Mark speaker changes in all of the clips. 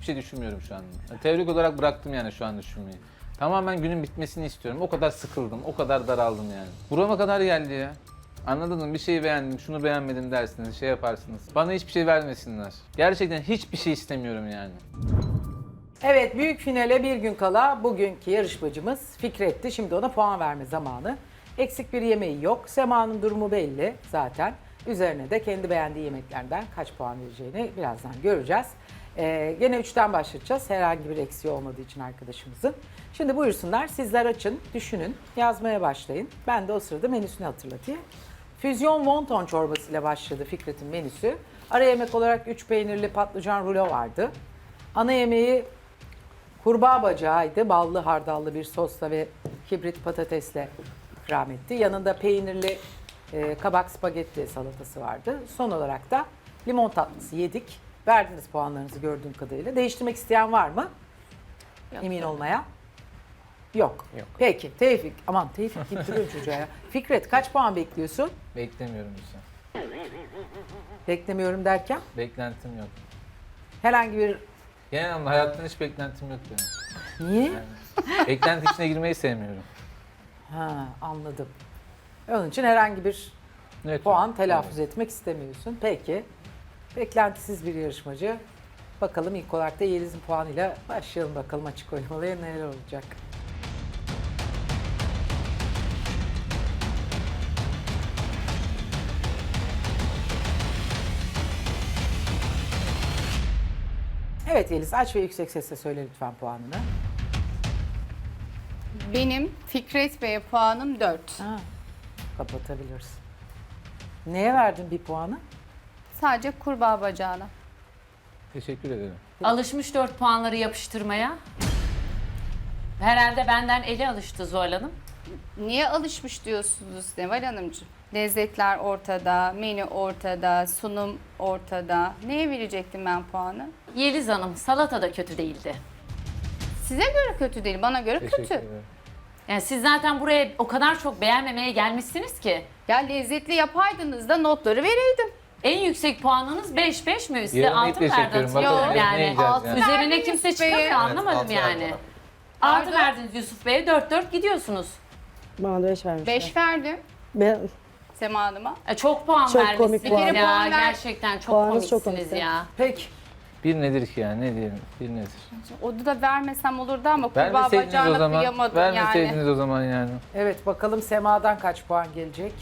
Speaker 1: hiçbir şey düşünmüyorum şu an. Teorik olarak bıraktım yani şu an düşünmeyi. Tamamen günün bitmesini istiyorum. O kadar sıkıldım, o kadar daraldım yani. Burama kadar geldi ya. Anladın mı? Bir şeyi beğendim, şunu beğenmedim dersiniz, şey yaparsınız. Bana hiçbir şey vermesinler. Gerçekten hiçbir şey istemiyorum yani.
Speaker 2: Evet, büyük finale bir gün kala bugünkü yarışmacımız Fikret'ti. Şimdi ona puan verme zamanı. Eksik bir yemeği yok. Sema'nın durumu belli zaten. Üzerine de kendi beğendiği yemeklerden kaç puan vereceğini birazdan göreceğiz. Gene 3'ten başlayacağız. Herhangi bir eksiği olmadığı için arkadaşımızın. Şimdi buyursunlar, sizler açın, düşünün, yazmaya başlayın. Ben de o sırada menüsünü hatırlatayım. Füzyon wonton çorbası ile başladı Fikret'in menüsü. Ara yemek olarak 3 peynirli patlıcan rulo vardı. Ana yemeği kurbağa bacağıydı. Ballı hardallı bir sosla ve kibrit patatesle ikram etti. Yanında peynirli kabak spagetti salatası vardı. Son olarak da limon tatlısı yedik. Verdiniz puanlarınızı gördüğüm kadarıyla. Değiştirmek isteyen var mı?
Speaker 3: Yok,
Speaker 2: Emin
Speaker 3: yok.
Speaker 2: olmaya. Yok.
Speaker 4: Yok.
Speaker 2: Peki Tevfik. Aman Tevfik gittiriyor çocuğa ya. Fikret kaç puan bekliyorsun?
Speaker 1: Beklemiyorum bir şey.
Speaker 2: Beklemiyorum derken
Speaker 1: Beklentim yok.
Speaker 2: herhangi bir...
Speaker 1: Genel anlamda hayattan hiç beklentim yok benim.
Speaker 2: Niye?
Speaker 1: Yani, beklenti içine girmeyi sevmiyorum.
Speaker 2: Ha, anladım. Onun için herhangi bir
Speaker 1: Evet,
Speaker 2: puan telaffuz
Speaker 1: evet.
Speaker 2: etmek istemiyorsun. Peki. Beklentisiz bir yarışmacı. Bakalım ilk olarak da Yeliz'in puanıyla başlayalım bakalım açık oynamalıya neler olacak. Evet Yeliz aç ve yüksek sesle söyle lütfen puanını.
Speaker 3: Benim Fikret Bey'e puanım 4.
Speaker 2: Ha, kapatabilirsin. Neye verdin bir puanı?
Speaker 3: Sadece kurbağa bacağına.
Speaker 1: Teşekkür ederim.
Speaker 5: Alışmış 4 puanları yapıştırmaya. Herhalde benden eli alıştı Zuhal Hanım.
Speaker 3: Niye alışmış diyorsunuz Neval Hanımcığım? Lezzetler ortada, menü ortada, sunum ortada. Neye verecektim ben puanı?
Speaker 5: Yeliz Hanım salata da kötü değildi.
Speaker 3: Size göre kötü değil, bana göre
Speaker 1: Teşekkür
Speaker 3: kötü.
Speaker 1: ederim.
Speaker 5: Yani siz zaten buraya o kadar çok beğenmemeye gelmişsiniz ki.
Speaker 3: Ya lezzetli yapaydınız da notları vereydim.
Speaker 5: En yüksek puanınız 5 mi? Size
Speaker 1: Yarın
Speaker 5: 6
Speaker 1: iple
Speaker 5: mı verdi
Speaker 1: çekiyorum.
Speaker 5: hatırlıyorum
Speaker 1: Bakalım ne
Speaker 5: yani.
Speaker 1: yiyeceğiz
Speaker 3: altı
Speaker 1: yani.
Speaker 5: Üzerine
Speaker 3: verdiniz
Speaker 5: kimse
Speaker 3: Bey'e.
Speaker 5: çıkamıyor anlamadım
Speaker 4: altı
Speaker 5: yani.
Speaker 4: verdim.
Speaker 5: 6
Speaker 3: Pardon?
Speaker 5: verdiniz Yusuf Bey'e 4 gidiyorsunuz.
Speaker 6: Bana da 5 vermişler.
Speaker 3: 5 verdim
Speaker 6: Ben,
Speaker 3: Sema Hanım'a.
Speaker 5: Çok puan
Speaker 6: Çok
Speaker 5: vermişsiniz
Speaker 6: komik puan.
Speaker 5: ya.
Speaker 3: Bir kere puan ver.
Speaker 5: Gerçekten çok
Speaker 6: Puanınız çok
Speaker 5: komiksiniz
Speaker 6: komikti.
Speaker 5: ya.
Speaker 2: Peki.
Speaker 1: Bir nedir ki yani ne diyelim? Bir nedir?
Speaker 3: Onu da vermesem olurdu ama kurbağa
Speaker 1: Vermeseydiniz o
Speaker 3: bacağına
Speaker 1: zaman.
Speaker 3: kıyamadım
Speaker 1: Vermeseydiniz
Speaker 3: yani.
Speaker 1: o zaman yani.
Speaker 2: Evet bakalım Sema'dan kaç puan gelecek?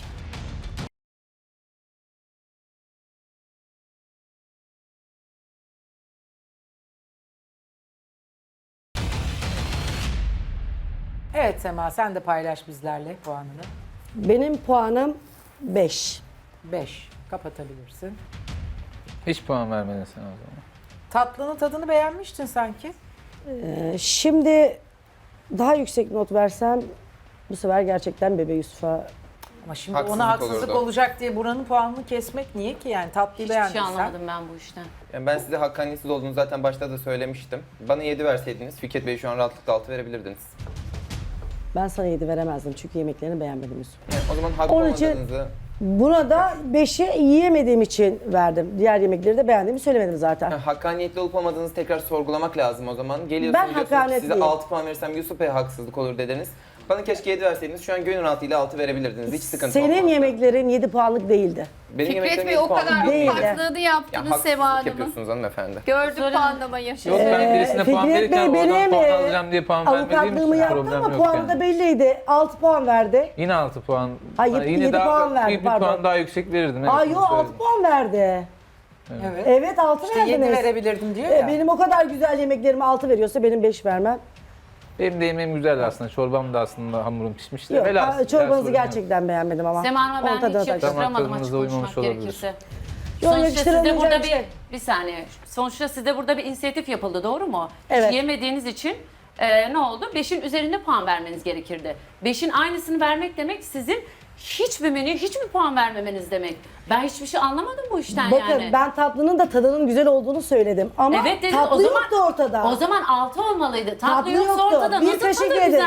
Speaker 2: Evet Sema sen de paylaş bizlerle puanını.
Speaker 6: benim puanım 5.
Speaker 2: 5. Kapatabilirsin.
Speaker 1: Hiç puan vermedin sen o zaman.
Speaker 2: Tatlının tadını beğenmiştin sanki.
Speaker 6: Şimdi daha yüksek not versem bu sefer gerçekten Bebe Yusuf'a
Speaker 2: Ama şimdi
Speaker 4: Haksızlık
Speaker 2: ona haksızlık
Speaker 4: olurdu.
Speaker 2: olacak diye buranın puanını kesmek niye ki yani tatlıyı
Speaker 5: Hiçbir şey
Speaker 2: beğendiysen.
Speaker 5: anlamadım ben bu işten.
Speaker 4: Yani ben size hakkaniyetsiz olduğunu zaten başta da söylemiştim. Bana 7 verseydiniz Fikret Bey şu an rahatlıkla 6 verebilirdiniz.
Speaker 6: ben sana 7 veremezdim çünkü yemeklerini beğenmedim Yusuf.
Speaker 4: Yani o zaman haklı
Speaker 6: Onun için-
Speaker 4: olmadığınızı...
Speaker 6: Buna da 5'i yiyemediğim için verdim. Diğer yemekleri de beğendiğimi söylemedim zaten.
Speaker 4: Hakkaniyetli olup olmadığınızı tekrar sorgulamak lazım o zaman. Geliyorsunuz
Speaker 6: Ben
Speaker 4: diyorsunuz ki
Speaker 6: hakkanetliyim.
Speaker 4: size 6 puan verirsem Yusuf Bey'e haksızlık olur dediniz. Bana keşke 7 verseydiniz şu an gönül rahatlığıyla 6 verebilirdiniz. Hiç sıkıntı
Speaker 6: Senin
Speaker 4: olmazdı.
Speaker 6: yemeklerin 7 puanlık değildi.
Speaker 4: Benim
Speaker 3: Fikret
Speaker 4: yemeklerim
Speaker 3: Bey
Speaker 4: 7
Speaker 3: o
Speaker 4: puanlık
Speaker 3: kadar
Speaker 4: değil.
Speaker 6: Değil.
Speaker 3: farklılığı
Speaker 4: Ya
Speaker 3: yaptınız Sema
Speaker 4: haksızlık
Speaker 3: Hanım'a.
Speaker 4: yapıyorsunuz hanımefendi.
Speaker 3: Gördüm
Speaker 6: Söyle.
Speaker 3: puanlamayı.
Speaker 1: Yok ben birisine puan
Speaker 6: Fikret
Speaker 1: verirken
Speaker 6: Bey
Speaker 1: oradan
Speaker 6: benim
Speaker 1: puan alacağım diye puan vermediğim
Speaker 6: avukatlığımı
Speaker 1: için
Speaker 6: yaptı
Speaker 1: problem
Speaker 6: ama
Speaker 1: yok
Speaker 6: puanı
Speaker 1: yani.
Speaker 6: da belliydi. 6 puan verdi.
Speaker 1: Yine 6 puan.
Speaker 6: Hayır,
Speaker 1: Yine
Speaker 6: 7
Speaker 1: daha
Speaker 6: puan verdi,
Speaker 1: bir
Speaker 6: pardon.
Speaker 1: puan daha yüksek verirdim. Evet,
Speaker 6: Aa
Speaker 1: bunu
Speaker 6: yo 6
Speaker 1: söyledim.
Speaker 6: puan verdi.
Speaker 2: Evet.
Speaker 6: Evet 6
Speaker 2: İşte 7
Speaker 6: verdiniz.
Speaker 2: verebilirdim diyor ya.
Speaker 6: Benim o kadar güzel yemeklerime 6 veriyorsa benim 5 vermem.
Speaker 1: Benim de yemeğim güzel aslında. Çorbam da aslında hamurum pişmişti.
Speaker 6: Yok,
Speaker 1: Velhasıl,
Speaker 6: çorbanızı
Speaker 1: sorun yok.
Speaker 6: gerçekten beğenmedim ama.
Speaker 5: Sema Hanım'a
Speaker 6: Onun
Speaker 5: ben
Speaker 6: tadına
Speaker 5: hiç
Speaker 6: tak-
Speaker 5: yakıştıramadım
Speaker 1: Damak
Speaker 5: açık
Speaker 1: tadınıza uymamış
Speaker 5: konuşmak
Speaker 1: olabilir.
Speaker 5: gerekirse.
Speaker 6: Yok,
Speaker 5: Sonuçta sizde
Speaker 6: yakıştıramayacağım
Speaker 5: burada
Speaker 6: şey.
Speaker 5: bir saniye. Sonuçta sizde burada bir inisiyatif yapıldı doğru mu?
Speaker 6: Evet.
Speaker 5: Hiç yemediğiniz için ne oldu? 5'in üzerinde puan vermeniz gerekirdi. 5'in aynısını vermek demek sizin hiçbir menüye hiçbir puan vermemeniz demek. Ben hiçbir şey anlamadım bu işten
Speaker 6: Bakın
Speaker 5: yani.
Speaker 6: ben tatlının da tadının güzel olduğunu söyledim ama
Speaker 5: Evet dedin,
Speaker 6: tatlı
Speaker 5: o zaman-
Speaker 6: yoktu ortada.
Speaker 5: O zaman 6 olmalıydı. Tatlı
Speaker 6: Tatlı
Speaker 5: yoksa
Speaker 6: yoktu.
Speaker 5: ortada
Speaker 6: Bir
Speaker 5: nasıl
Speaker 6: kaşık
Speaker 5: tadı
Speaker 6: yedim.
Speaker 5: güzel?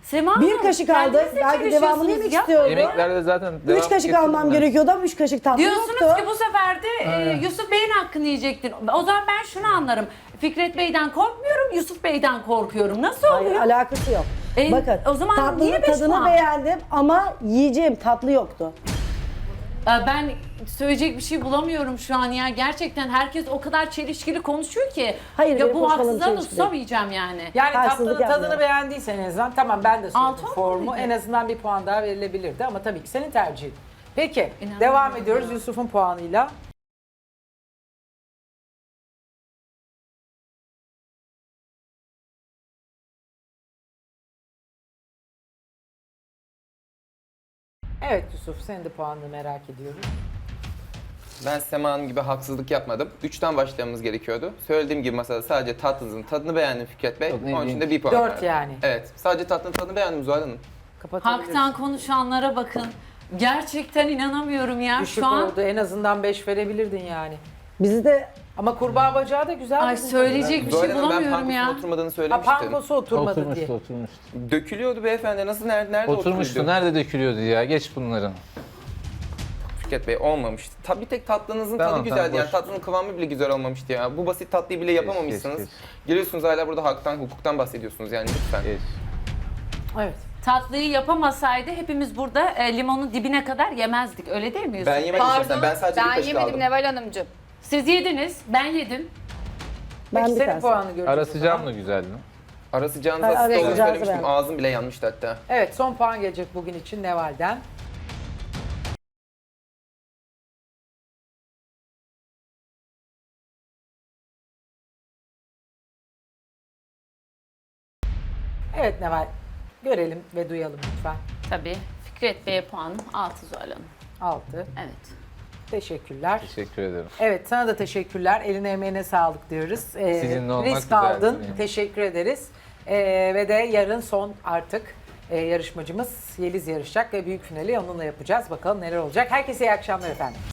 Speaker 5: Sema
Speaker 6: Bir
Speaker 5: Hanım,
Speaker 6: kaşık
Speaker 5: kendiniz
Speaker 6: aldı.
Speaker 5: de
Speaker 6: Belki devamını yemek
Speaker 5: çalışıyorsunuz ya.
Speaker 6: istiyordu.
Speaker 1: Yemeklerde zaten
Speaker 6: 3 kaşık almam gerekiyordu ama 3 kaşık tatlı
Speaker 5: Diyorsunuz
Speaker 6: yoktu.
Speaker 5: ki bu sefer de Yusuf Bey'in hakkını yiyecektin. O zaman ben şunu anlarım. Fikret Bey'den korkmuyorum, Yusuf Bey'den korkuyorum. Nasıl
Speaker 6: Hayır,
Speaker 5: oluyor?
Speaker 6: alakası yok.
Speaker 5: E, o zaman
Speaker 6: tatlının
Speaker 5: niye 5
Speaker 6: tadını
Speaker 5: puan?
Speaker 6: beğendim ama yiyeceğim tatlı yoktu.
Speaker 5: Ben söyleyecek bir şey bulamıyorum şu an ya. Gerçekten herkes o kadar çelişkili konuşuyor ki.
Speaker 6: Hayır,
Speaker 5: ya
Speaker 6: benim
Speaker 5: bu
Speaker 6: konuşmalarım
Speaker 5: haksızlığa da
Speaker 6: çelişkili.
Speaker 5: tutamayacağım yani.
Speaker 2: Yani
Speaker 6: Haksızlık
Speaker 2: tatlının tadını
Speaker 6: yapmıyorum.
Speaker 2: beğendiysen en azından tamam ben de
Speaker 5: Altı
Speaker 2: sordum
Speaker 5: on
Speaker 2: formu.
Speaker 5: muydu?
Speaker 2: En azından bir puan daha verilebilirdi ama tabii ki senin tercihin. Peki
Speaker 5: İnanamıyorum
Speaker 2: devam ediyoruz
Speaker 5: ya.
Speaker 2: Yusuf'un puanıyla. Evet Yusuf senin de puanını merak ediyoruz.
Speaker 4: Ben Sema Hanım gibi haksızlık yapmadım. 3'ten başlamamız gerekiyordu. Söylediğim gibi masada sadece tatlınızın tadını beğendim Fikret Bey.
Speaker 1: Yok, ne
Speaker 4: Onun için de
Speaker 1: diyeyim?
Speaker 4: 1 puan
Speaker 2: 4
Speaker 4: verdim.
Speaker 2: yani.
Speaker 4: Evet. Sadece tatlının tadını beğendim Zuhal Hanım.
Speaker 2: Kapatabiliriz.
Speaker 5: Haktan konuşanlara bakın. Gerçekten inanamıyorum ya
Speaker 2: Düşük
Speaker 5: şu an.
Speaker 2: oldu en azından 5 verebilirdin yani.
Speaker 6: Bizi de
Speaker 2: Ama kurbağa bacağı da güzel.
Speaker 5: Ay
Speaker 2: dedin.
Speaker 5: söyleyecek bir
Speaker 4: Zuhal
Speaker 5: şey
Speaker 4: Hanım ben
Speaker 5: bulamıyorum
Speaker 4: pankosun
Speaker 5: ya.
Speaker 4: oturmadığını
Speaker 2: Ha
Speaker 4: söylemiştim.
Speaker 2: pankosu oturmadı diye.
Speaker 1: Oturmuştu.
Speaker 4: Dökülüyordu beyefendi. Nasıl nerede
Speaker 1: Oturmuştu.
Speaker 4: oturuyordu?
Speaker 1: Nerede dökülüyordu ya? Geç bunların.
Speaker 4: Fikret Bey olmamıştı. Bir tek tatlınızın
Speaker 1: Tamam,
Speaker 4: tadı güzeldi.
Speaker 1: tamam,
Speaker 4: Yani
Speaker 1: boş.
Speaker 4: tatlının kıvamı bile güzel olmamıştı ya. Bu basit tatlıyı bile yapamamışsınız.
Speaker 1: geç.
Speaker 4: Geliyorsunuz hala burada haktan, hukuktan bahsediyorsunuz yani lütfen.
Speaker 1: Geç.
Speaker 2: Evet.
Speaker 5: Tatlıyı yapamasaydı hepimiz burada limonun dibine kadar yemezdik. Öyle değil mi Yusuf?
Speaker 4: Ben yemedim zaten. Ben sadece bir
Speaker 3: ben
Speaker 4: kaşık
Speaker 3: yemedim
Speaker 4: aldım.
Speaker 3: Neval Hanımcığım.
Speaker 5: Siz yediniz, ben yedim.
Speaker 6: ben
Speaker 2: Peki
Speaker 6: bir
Speaker 2: senin
Speaker 6: tane.
Speaker 2: puanını göreceğiz.
Speaker 1: Ara
Speaker 2: o
Speaker 1: sıcağım
Speaker 2: zaman.
Speaker 1: da güzeldi.
Speaker 4: Ara sıcağınızı
Speaker 6: Ara
Speaker 4: asist olduğunu
Speaker 6: sıcağınızı
Speaker 4: söylemiştim.
Speaker 6: ben.
Speaker 4: Ağzım bile yanmıştı hatta.
Speaker 2: Evet son puan gelecek bugün için Neval'den. Evet Neval görelim ve duyalım lütfen.
Speaker 5: Tabii. Fikret Bey'e puanım 6 Zuhal Hanım.
Speaker 2: 6.
Speaker 5: Evet.
Speaker 2: Teşekkürler.
Speaker 1: Teşekkür ederim.
Speaker 2: Evet sana da teşekkürler. Eline emeğine sağlık diyoruz.
Speaker 1: Sizinle olmak
Speaker 2: risk
Speaker 1: güzeldi
Speaker 2: aldın.
Speaker 1: benim.
Speaker 2: Teşekkür ederiz. Ve de yarın son artık yarışmacımız Yeliz yarışacak ve büyük finali onunla yapacağız. Bakalım neler olacak. Herkese iyi akşamlar efendim.